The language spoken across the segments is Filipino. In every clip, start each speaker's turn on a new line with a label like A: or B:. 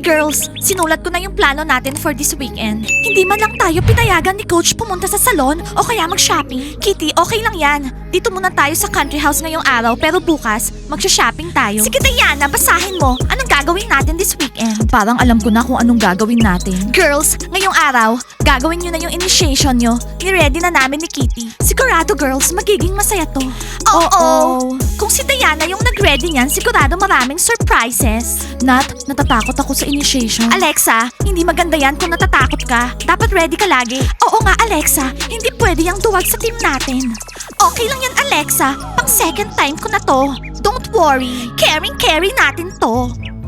A: girls, sinulat ko na yung plano natin for this weekend. Hindi man lang tayo pinayagan ni Coach pumunta sa salon o kaya mag-shopping. Kitty, okay lang yan. Dito muna tayo sa country house ngayong araw pero bukas, mag-shopping tayo. Sige Diana, basahin mo. Anong gagawin natin this weekend? Parang alam ko na kung anong gagawin natin. Girls, ngayong araw, gagawin nyo na yung initiation nyo. Ni-ready na namin ni Kitty. Sigurado girls, magiging masaya to. Oo. Kung si Diana yung nag-ready niyan, sigurado maraming surprises. Nat, natatakot ako sa initiation. Alexa, hindi maganda yan kung natatakot ka. Dapat ready ka lagi. Oo nga, Alexa. Hindi pwede yung duwag sa team natin. Okay lang yan, Alexa. Pang second time ko na to. Don't worry. Caring natin to.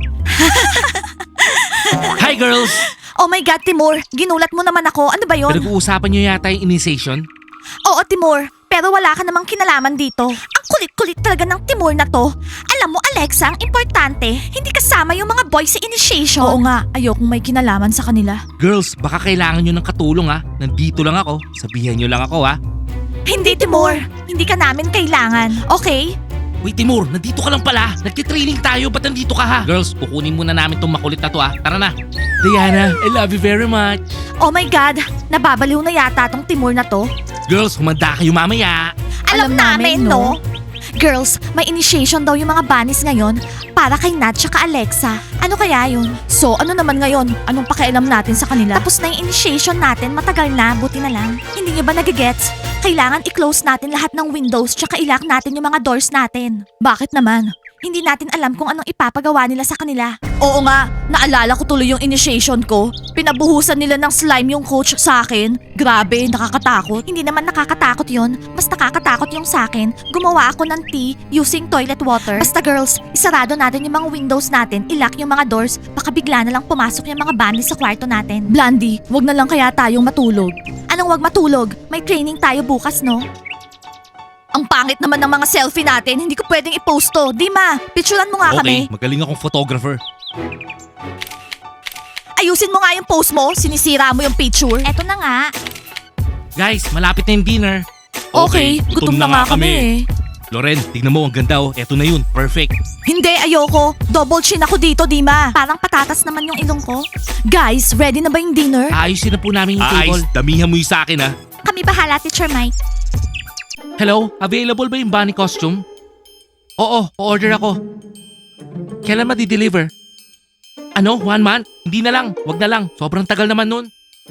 B: Hi girls!
A: Oh my God, Timur. Ginulat mo naman ako. Ano ba yon?
B: Pinag-uusapan nyo yata yung initiation?
A: Oo, Timur. Pero wala ka namang kinalaman dito. Ang kulit-kulit talaga ng Timur na to. Alam mo, Alexa, ang importante, hindi kasama yung mga boys sa initiation. Oo nga, ayokong may kinalaman sa kanila.
B: Girls, baka kailangan nyo ng katulong ha. Nandito lang ako. Sabihan nyo lang ako ha.
A: Hindi, Timur. Hindi ka namin kailangan. Okay?
B: Wait Timur, nandito ka lang pala. Nagtitraining tayo, ba't nandito ka ha? Girls, kukunin muna namin tong makulit na to ha. Tara na. Diana, I love you very much.
A: Oh my God, nababaliw na yata tong Timur na to.
B: Girls, humanda kayo mamaya.
A: Alam namin, no? Girls, may initiation daw yung mga bunnies ngayon para kay Nat tsaka Alexa. Ano kaya yun? So, ano naman ngayon? Anong pakialam natin sa kanila? Tapos na yung initiation natin, matagal na, buti na lang. Hindi nyo ba nagigets? Kailangan i-close natin lahat ng windows tsaka i-lock natin yung mga doors natin. Bakit naman? Hindi natin alam kung anong ipapagawa nila sa kanila. Oo nga, naalala ko tuloy yung initiation ko. Pinabuhusan nila ng slime yung coach sa akin. Grabe, nakakatakot. Hindi naman nakakatakot yon. Mas nakakatakot yung sa akin. Gumawa ako ng tea using toilet water. Basta girls, isarado natin yung mga windows natin, ilock yung mga doors, baka bigla na lang pumasok yung mga bunnies sa kwarto natin. Blondie, wag na lang kaya tayong matulog. Anong wag matulog? May training tayo bukas, no? Ang pangit naman ng mga selfie natin, hindi ko pwedeng i-post to. Dima, picturean mo nga kami.
B: Okay, magaling akong photographer.
A: Ayusin mo nga yung post mo, sinisira mo yung picture. Eto na nga.
B: Guys, malapit na yung dinner.
A: Okay, gutom na nga kami eh.
B: Loren, tignan mo, ang ganda oh. Eto na yun, perfect.
A: Hindi, ayoko. Double chin ako dito, Dima. Parang patatas naman yung ilong ko. Guys, ready na ba yung dinner?
B: Ayusin na po namin yung table. Damihan mo yung sa akin ha.
A: Kami bahala, Teacher Mike.
B: Hello, available ba yung bunny costume? Oo, order ako. Kailan ma-deliver? Ano, 1 month? Hindi na lang, wag na lang. Sobrang tagal naman nun.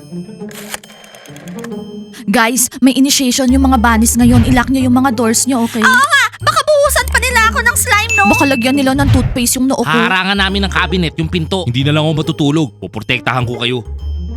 A: Guys, may initiation yung mga bunnies ngayon. Ilock nyo yung mga doors nyo, okay? Oo nga! Baka buhusan pa nila ako ng slime, no? Baka lagyan nila ng toothpaste yung noo ko.
B: Harangan namin ng cabinet, yung pinto. Hindi na lang ako matutulog. Poprotektahan ko kayo.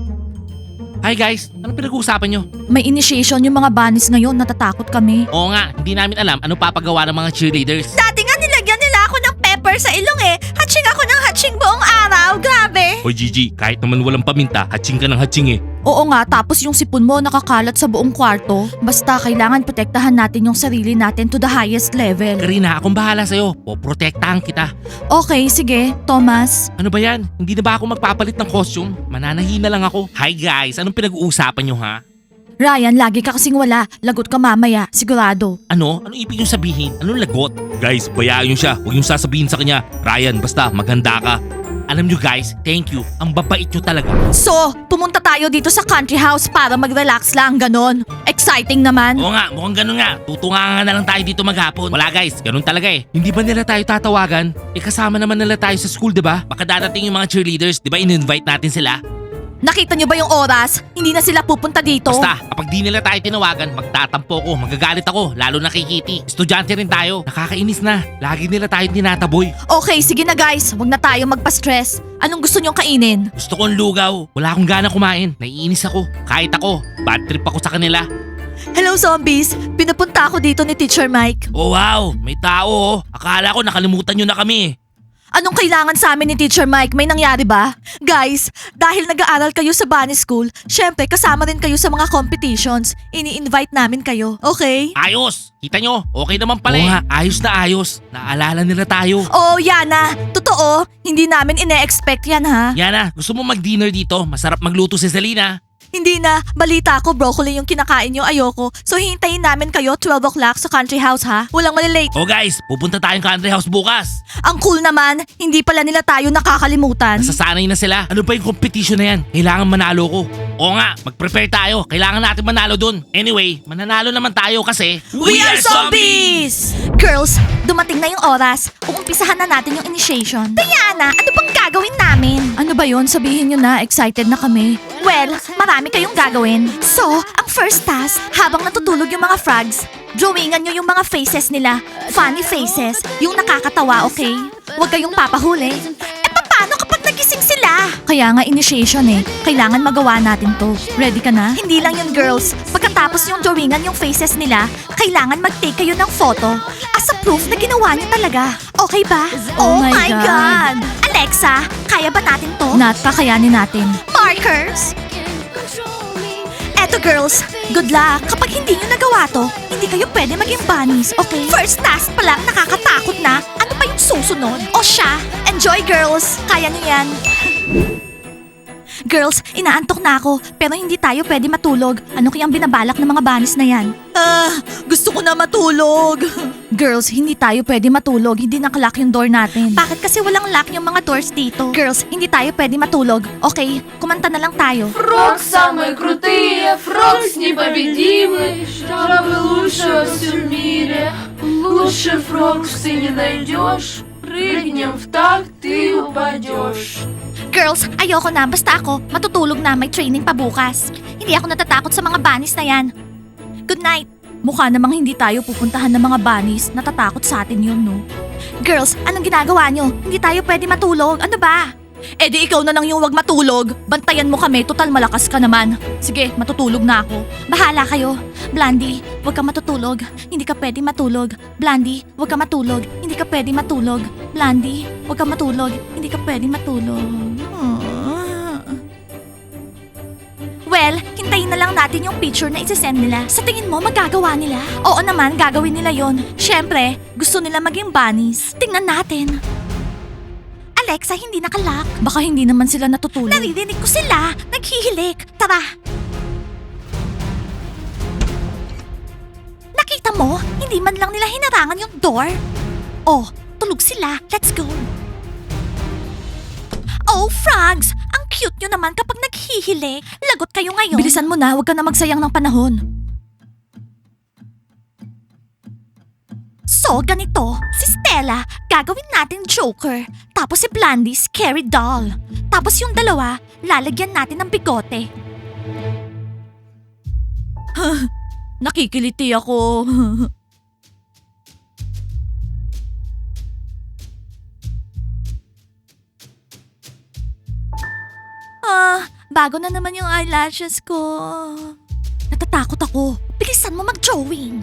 B: Hi guys, anong pinag-uusapan nyo?
A: May initiation yung mga bunnies ngayon. Natatakot kami.
B: Oo nga, hindi namin alam ano papagawa ng mga cheerleaders.
A: Dati nga nilagyan nila ako ng pepper sa ilong eh. Hatching ako ng hatching buong araw. Grabe.
B: Hoy Gigi, kahit naman walang paminta, hatching ka ng hatching eh.
A: Oo nga, tapos yung sipon mo nakakalat sa buong kwarto. Basta kailangan protektahan natin yung sarili natin to the highest level.
B: Karina, akong bahala sa'yo. Poprotektahan kita.
A: Okay, sige. Thomas.
B: Ano ba yan? Hindi na ba ako magpapalit ng costume? Mananahin na lang ako. Hi guys, anong pinag-uusapan nyo ha?
A: Ryan, lagi ka kasing wala. Lagot ka mamaya, sigurado.
B: Ano? Anong ibig yung sabihin? Anong lagot? Guys, bayaan nyo siya. Huwag yung sasabihin sa kanya. Ryan, basta maganda ka. Alam nyo guys, thank you. Ang babait nyo talaga.
A: So, pumunta tayo dito sa country house para mag-relax lang, ganon. Exciting naman.
B: Oo nga, mukhang ganun nga. Tutunga na lang tayo dito maghapon. Wala guys, ganun talaga eh. Hindi ba nila tayo tatawagan? Kasama naman nila tayo sa school, diba? Baka darating yung mga cheerleaders, diba in-invite natin sila?
A: Nakita niyo ba yung oras? Hindi na sila pupunta dito.
B: Basta, kapag di nila tayo tinawagan, magtatampo ko, magagalit ako, lalo na kay Kitty. Estudyante rin tayo, nakakainis na. Lagi nila tayo tinataboy.
A: Okay, sige na guys. Huwag na tayo magpa-stress. Anong gusto niyong kainin?
B: Gusto kong lugaw. Wala akong gana kumain. Naiinis ako. Kahit ako, bad trip ako sa kanila.
A: Hello zombies! Pinapunta ako dito ni Teacher Mike.
B: Oh wow, may tao oh. Akala ko nakalimutan nyo na kami.
A: Anong kailangan sa amin ni Teacher Mike? May nangyari ba? Guys, dahil nag-aaral kayo sa Bunny School, syempre kasama rin kayo sa mga competitions. Ini-invite namin kayo, okay?
B: Ayos! Kita nyo, okay naman pala. Oo nga, ayos na ayos. Naalala nila tayo.
A: Oh, Yana, totoo. Hindi namin ine-expect yan ha.
B: Yana, gusto mo mag-dinner dito? Masarap magluto si Selena.
A: Hindi na. Balita ko, broccoli yung kinakain nyo. Ayoko. So, hintayin namin kayo 12 o'clock sa country house, ha? Walang malilate.
B: Oh guys, pupunta tayong country house bukas.
A: Ang cool naman, hindi pala nila tayo nakakalimutan.
B: Nasasanay na sila. Ano ba yung competition na yan? Kailangan manalo ko. Oo nga, mag-prepare tayo. Kailangan natin manalo dun. Anyway, mananalo naman tayo kasi...
A: Girls, dumating na yung oras. Uumpisahan na natin yung initiation. Diana, ano bang gagawin namin? Ano ba yon? Sabihin nyo na, excited na kami. Well, marami kayong gagawin. So, ang first task, habang natutulog yung mga frogs, drawingan nyo yung mga faces nila. Funny faces, yung nakakatawa, okay? Huwag kayong papahuli. Paano kapag nagising sila? Kaya nga initiation eh. Kailangan magawa natin to. Ready ka na? Hindi lang yun, girls. Pagkatapos yung drawingan yung faces nila, kailangan mag-take kayo ng photo as a proof na ginawa niyo talaga. Okay ba?
C: Oh my God.
A: Alexa, kaya ba natin to? Nat, kakayanin natin. Markers! Eto girls, good luck. Kapag hindi nyo nagawa to, hindi kayo pwede maging bunnies, okay? First task pa lang, nakakatakot na. Ano pa yung susunod? O siya, enjoy girls. Kaya nyo yan. Girls, inaantok na ako, pero hindi tayo pwede matulog. Ano kayang binabalak ng mga bunnies na yan? Gusto ko na matulog. Girls, hindi tayo pwede matulog. Hindi nakalock yung door natin. Bakit kasi walang lock yung mga doors dito? Girls, hindi tayo pwede matulog. Okay, kumanta na lang tayo.
C: Фрог самые крутые, Фрог непобедимый, Жабы лучше во всем мире. Лучше Фрог ты не найдешь, Прыгнем в такт, ты упадешь.
A: Girls, ayoko na. Basta ako, matutulog na. May training pa bukas. Hindi ako natatakot sa mga bunnies na yan. Good night. Mukha namang hindi tayo pupuntahan ng mga bunnies. Natatakot sa atin yun, no? Girls, anong ginagawa nyo? Hindi tayo pwede matulog. Ano ba? Eh di ikaw na lang yung wag matulog. Bantayan mo kami, total malakas ka naman. Sige, matutulog na ako. Bahala kayo. Blandy, wag ka matutulog. Hindi ka pwede matulog. Blandy, wag ka matulog. Hindi ka pwede matulog. Blandy, wag ka matulog. Hindi ka pwede matulog. Well, hintayin na lang natin yung picture na isasend nila. Sa tingin mo, magagawa nila? Oo naman, gagawin nila yon. Siyempre, gusto nila maging bunnies. Tingnan natin. Alexa, hindi nakalock. Baka hindi naman sila natutulog. Naririnig ko sila. Naghihilik. Tara. Nakita mo? Hindi man lang nila hinarangan yung door. Oh, tulog sila. Let's go. Oh, frogs! Ang cute nyo naman kapag naghihilik. Lagot kayo ngayon. Bilisan mo na, huwag ka na magsayang ng panahon. So, ganito. Si Stella, gagawin natin Joker. Tapos si Blandy, Scary Doll. Tapos yung dalawa, lalagyan natin ng bigote. Nakikiliti ako. Bago na naman yung eyelashes ko. Natatakot ako. Bilisan mo mag-drawing.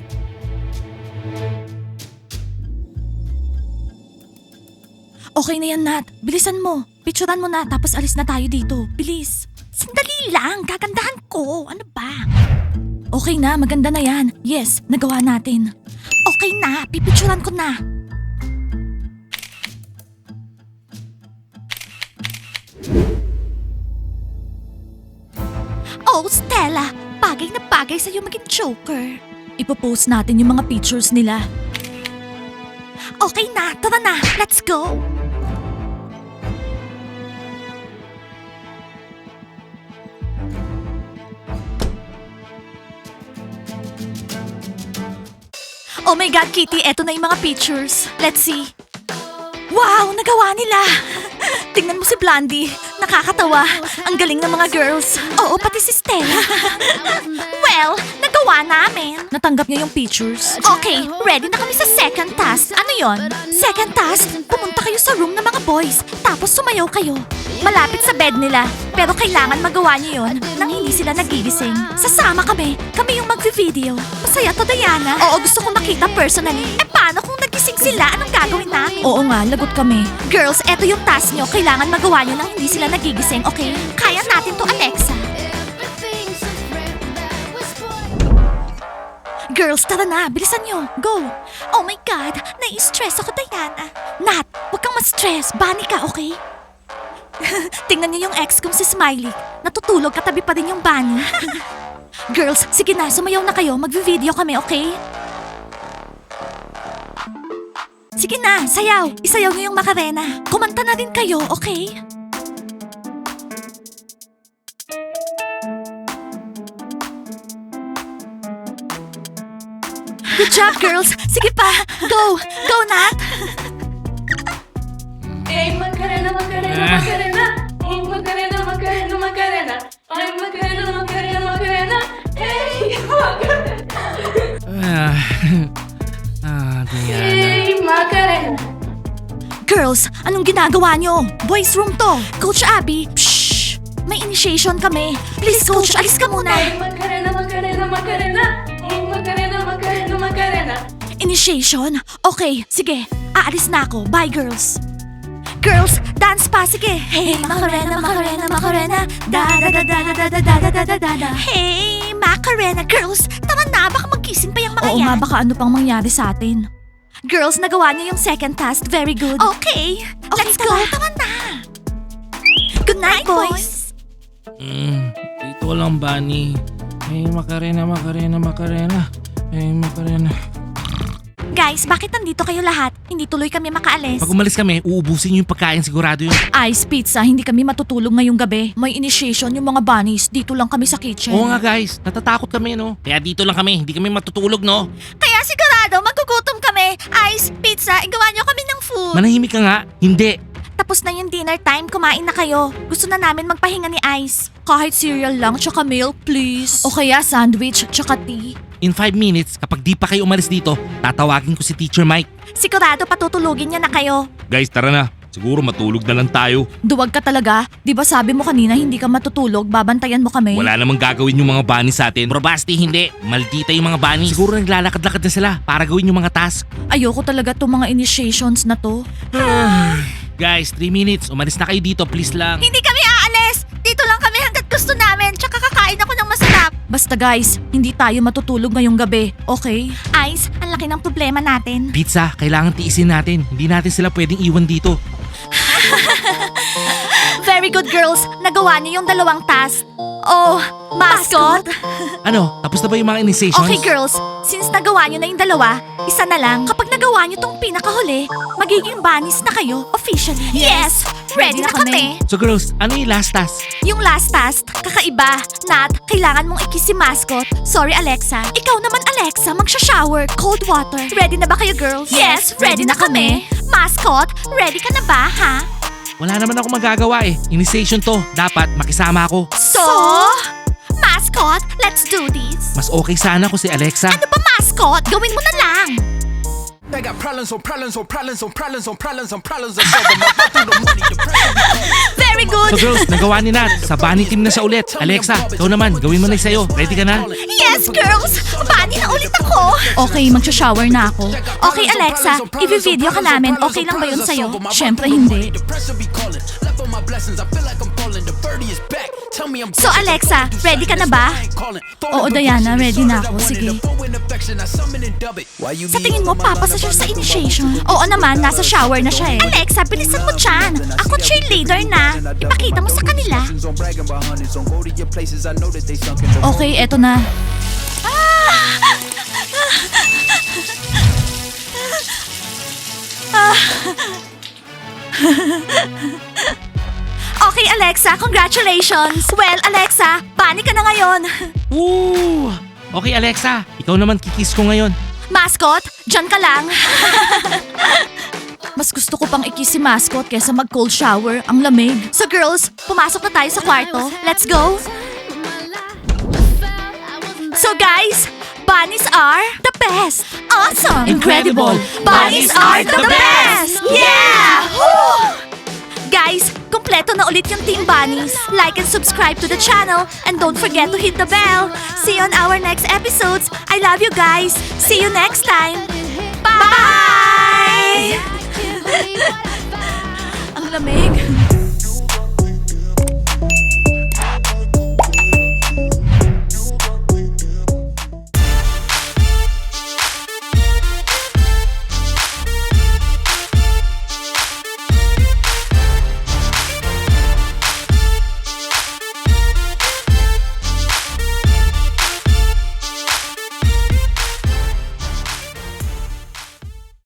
A: Okay na yan, Nat. Bilisan mo. Picturean mo na, tapos alis na tayo dito. Bilis. Sandali lang. Gagandahan ko. Ano ba? Okay na, maganda na yan. Yes, nagawa natin. Okay na, pipicturean ko na. Oh, Stella! Bagay na bagay sa'yo maging Joker. Ipopost natin yung mga pictures nila. Okay na, tara na. Let's go! Oh my God, Kitty, eto na yung mga pictures. Let's see. Wow, nagawa nila! Tingnan mo si Blondie. Nakakatawa. Ang galing ng mga girls. Oo, pati si Stella. Well, nagawa namin. Natanggap niya yung pictures. Okay, ready na kami sa second task. Ano yon? Second task, pumunta kayo sa room ng mga boys. Tapos sumayaw kayo. Malapit sa bed nila. Pero kailangan magawa niyo yon nang hindi sila nagigising. Sasama kami. Kami yung magvi-video. Masaya to, Diana. Oo, gusto kong makita personally. Eh, paano kung nagising sila? Anong gagawin namin? Oo nga, lagot kami. Girls, eto yung task nyo. Kailangan magawa nyo nang hindi sila nagigising, okay? Kaya natin to, Alexa. Girls, tara na. Bilisan nyo. Go. Oh my God. Nai-stress ako, Diana. Nat, huwag kang ma-stress. Bunny ka, okay? Tingnan niyo yung ex kong si Smiley. Natutulog katabi pa rin yung bunny. Girls, sige na, sumayaw na kayo. Magvi-video kami, okay? Sige na, sayaw. Isayaw niyo yung Macarena. Kumanta na din kayo, okay? Good job, girls. Sige pa. Go. Go, Nat.
C: Ey, Macarena, Macarena, Macarena. Ey, Macarena, Macarena, Macarena. Ay, Macarena, Macarena, Macarena. Ey, Macarena.
B: Diana.
C: Ey, Macarena.
A: Girls, anong ginagawa nyo? Boys room to. Coach Abby, shh. May initiation kami. Please, Coach, alis ka muna.
C: Ey, Macarena, Macarena, Macarena. Ey, Macarena, Macarena, Macarena.
A: Initiation? Okay, sige. Aalis na ako. Bye, girls. Girls, dance pa, sige. Hey, Macarena, Macarena, Macarena. Da da da da da da da da da da da da. Hey, Macarena, girls. Tama na, baka magkising pa yung mga yan. Oo nga, baka ano pang mangyari sa atin. Girls, nagawa niyo yung second task. Very good. Okay, let's go. Tama na. Good night, boys.
B: Dito lang, Bunny. Hey, Macarena, Macarena, Macarena. Hey, Macarena.
A: Guys, bakit nandito kayo lahat? Hindi tuloy kami makaalis.
B: Pag umalis kami, uubusin niyo yung pagkain, sigurado yun.
A: Ice pizza, hindi kami matutulog ngayong gabi. May initiation yung mga bunnies. Dito lang kami sa kitchen.
B: Oo nga guys, natatakot kami no. Kaya dito lang kami, hindi kami matutulog no.
A: Kaya sigurado, magugutom kami. Ice pizza, igawa niyo kami ng food.
B: Manahimik ka nga, hindi.
A: Tapos na yung dinner time, kumain na kayo. Gusto na namin magpahinga ni Ice. Kahit cereal lang, tsaka milk, please. O kaya sandwich, tsaka tea.
B: In 5 minutes, kapag di pa kayo umalis dito, tatawagin ko si Teacher Mike.
A: Sigurado patutulugin niya na kayo.
B: Guys, tara na. Siguro matulog na lang tayo.
A: Duwag ka talaga. Di ba sabi mo kanina hindi ka matutulog, babantayan mo kami?
B: Wala namang gagawin yung mga bunny sa atin. Bro, basti hindi. Maldita yung mga bunny. Siguro naglalakad-lakad na sila para gawin yung mga task.
A: Ayoko talaga tong mga initiations na to.
B: Guys, 3 minutes. Umalis na kayo dito, please lang.
A: Hindi kami aalis! Dito lang kami hanggat gusto namin, tsaka kakain ako ng masarap. Basta guys, hindi tayo matutulog ngayong gabi, okay? Ice, ang laki ng problema natin.
B: Pizza, kailangan tiisin natin. Hindi natin sila pwedeng iwan dito.
A: Very good girls, nagawa niyo yung 2 task. Oh, mascot?
B: Ano, tapos na ba yung mga initiations?
A: Okay girls, since nagawa niyo na yung 2, isa na lang. Kapag nagawa niyo tong pinakahuli, magiging bunnies na kayo officially. Yes! Ready na kami.
B: So girls, ano yung last task?
A: Yung last task, kakaiba. Nat, kailangan mong ikis si mascot. Sorry, Alexa. Ikaw naman, Alexa, magsha-shower. Cold water. Ready na ba kayo, girls? Yes, ready na kami. Mascot, ready ka na ba, ha?
B: Wala naman ako magagawa eh. Initiation to. Dapat makisama ako.
A: So? Mascot, let's do this.
B: Mas okay sana ko si Alexa.
A: Ano ba, mascot? Gawin mo na lang.
D: I got problems on problems on problems on problems on problems on problems. I solve them. I go through the money, the pressure.
A: Very good.
B: So girls, nagawa ni Nat. Sa bunny team na siya ulit. Alexa, ikaw naman. Gawin mo na yung sa'yo. Ready ka na?
A: Yes, girls! Bunny na ulit ako! Okay, magsha-shower na ako. Okay, Alexa, i-video ka namin. Okay lang ba yun sa'yo? Siyempre hindi. So Alexa, ready ka na ba? Oo, Diana, ready na ako. Sige. Sa tingin mo, papasa siya sa initiation? Oo naman, nasa shower na siya eh. Alexa, bilisan mo dyan. Ako cheerleader na. Ipakita mo sa kanila. Okay, eto na. Okay, Alexa, congratulations! Well, Alexa, bunny ka na ngayon.
B: Woo! Okay, Alexa. Ikaw naman kikis ko ngayon.
A: Mascot, dyan ka lang. Mas gusto ko pang ikis si Mascot kesa mag-cold shower. Ang lamig. So girls, pumasok na tayo sa kwarto. Let's go! So guys, bunnies are the best! Awesome!
B: Incredible!
A: Bunnies are the best! Yeah! Woo! Guys, kumpleto na ulit yung Team Bunnies. Like and subscribe to the channel and don't forget to hit the bell. See you on our next episodes. I love you guys. See you next time. Bye! Ang lamig.